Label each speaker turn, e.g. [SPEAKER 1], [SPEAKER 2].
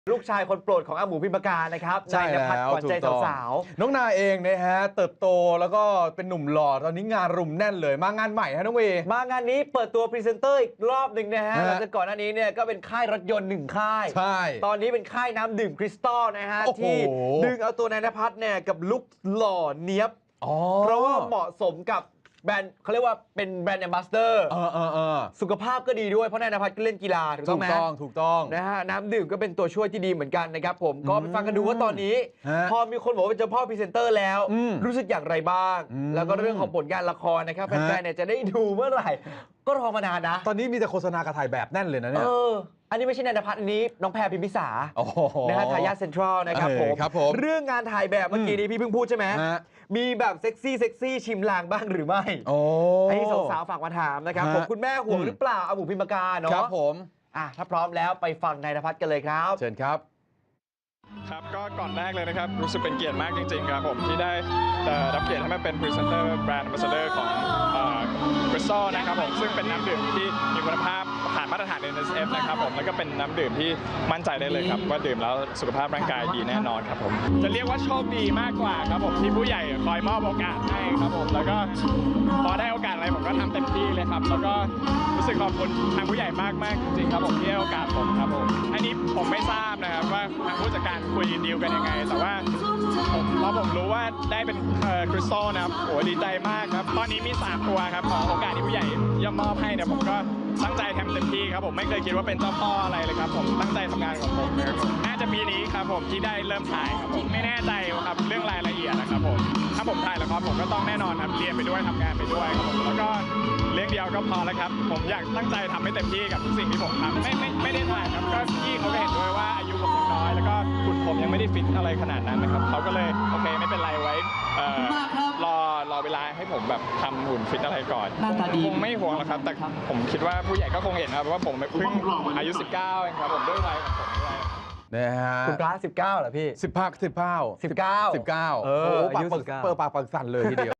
[SPEAKER 1] ลูกชายคนโปรดของอาหมูพิมพากานะครับนายณภัทรขวัญใจสาว
[SPEAKER 2] ๆน้องนายเองนะฮะเติบโตแล้วก็เป็นหนุ่มหล่อตอนนี้งานรุมแน่นเลยมางานใหม่ฮะน้องเว
[SPEAKER 1] มางานนี้เปิดตัวพรีเซนเตอร์อีกรอบหนึ่งนะฮะหลังจากก่อนหน้านี้เนี่ยก็เป็นค่ายรถยนต์1ค่าย
[SPEAKER 2] ใช่
[SPEAKER 1] ตอนนี้เป็นค่ายน้ำดื่มคริสตัลนะฮะที่ดึงเอาตัวนายณภัทรเนี่ยกับลุคหล่อเนี้ยบเพราะว่าเหมาะสมกับแบรนด์เขาเรียกว่าเป็นแบรนด์แอมบาสเดอร์สุขภาพก็ดีด้วยเพราะนายณภัทรก็เล่นกีฬาถูกต้องไหม
[SPEAKER 2] ถูกต้อง
[SPEAKER 1] นะฮะน้ำดื่มก็เป็นตัวช่วยที่ดีเหมือนกันนะครับผมก็ไปฟังกันดูว่าตอนนี้พอมีคนบอกว่าเป็นเจ้าพ่อพรีเซนเตอร์แล้วรู้สึกอย่างไรบ้างแล้วก็เรื่องของผลงานละครนะครับแฟนๆเนี่ยจะได้ดูเมื่อไหร่ก็รอมานานนะ
[SPEAKER 2] ตอนนี้มีแต่โฆษณากระถ่ายแบบแน่นเลยนะเนี่ย
[SPEAKER 1] อันนี้ไม่ใช่นายณภัทรอันนี้น้องแพรพิมพิสานะฮะทายาทเซ็นทรัลนะครับผมเรื่องงานถ่ายแบบเมื่อกี้นี้พี่เพิ่งพูดใช่ไหมมีแบบเซ็กซี่ชิมลางบ้างหรือไม่ให้สาวๆฝากมาถามนะครับผมคุณแม่ห่วงหรือเปล่าอาหมูพิมพากาเนาะ
[SPEAKER 2] ครับผม
[SPEAKER 1] ถ้าพร้อมแล้วไปฟังนายณภัทรกันเลยครับ
[SPEAKER 2] เชิญครับ
[SPEAKER 3] ครับก็ก่อนแรกเลยนะครับรู้สึกเป็นเกียรติมากจริงๆครับผมที่ได้รับเกียรติให้มาเป็นพรีเซนเตอร์แบรนด์แอมบาสเดอร์ของคริสตัลนะครับผมซึ่งเป็นน้ำดื่มที่มีคุณภาพผ่านมาตรฐาน NSF นะครับผมแล้วก็เป็นน้ำดื่มที่มั่นใจได้เลยครับว่าดื่มแล้วสุขภาพร่างกายดีแน่นอนครับผมจะเรียกว่าโชคดีมากกว่าครับผมที่ผู้ใหญ่คอยมอบโอกาสให้ครับผมแล้วก็พอได้โอกาสอะไรผมก็ทำเต็มที่เลยครับแล้วก็รู้สึกขอบคุณทางผู้ใหญ่มากๆจริงๆครับผมที่ให้โอกาสผมครับผมอันนี้ผมไม่ทราบนะครับว่าทางผู้จัดการคุยดีลกันยังไงแต่ว่าพอผมรู้ว่าได้เป็นคริสตัลนะครับโอ้ดีใจมากครับตอนนี้มี3ตัวครับขอโอกาสที่ผู้ใหญ่ย่อมมอบให้เนี่ยผมก็ตั้งใจทำเต็มที่ครับผมไม่เคยคิดว่าเป็นเจ้าพ่ออะไรเลยครับผมตั้งใจทำงานของผมนะครับน่าจะปีนี้ครับผมที่ได้เริ่มถ่ายครับผมไม่แน่ใจครับเรื่องรายละเอียดนะครับผมถ้าผมถ่ายละครผมก็ต้องแน่นอนครับเรียนไปด้วยทำงานไปด้วยครับผมแล้วก็เรื่องเดียวก็พอแล้วครับผมอยากตั้งใจทำให้เต็มที่กับทุกสิ่งที่ผมทำไม่ได้ถ่ายครับก็พี่เขาก็เห็นด้วยว่าอายุผมยังน้อยแล้วก็หุ่นผมยังไม่ได้ฟิตอะไรขนาดนั้นนะครับเขาก็เลยโอเคไม่เป็นไรไว้รอเวลาให้ผมแบบทำหุ่นฟิตอะไรก่อนคงไม่ห่วงหรอกครับแต่ผมคิดว่าผู้ใหญ่ก็คงเห็นครับว่าผมเพิ่งอายุ 19เองครับผมด้วยวัยของผมด้วย
[SPEAKER 2] นะฮะ
[SPEAKER 1] คุณพระ19เหรอพี่
[SPEAKER 2] 19
[SPEAKER 1] 19
[SPEAKER 2] โอ้ปากสั่นเลยทีเดียว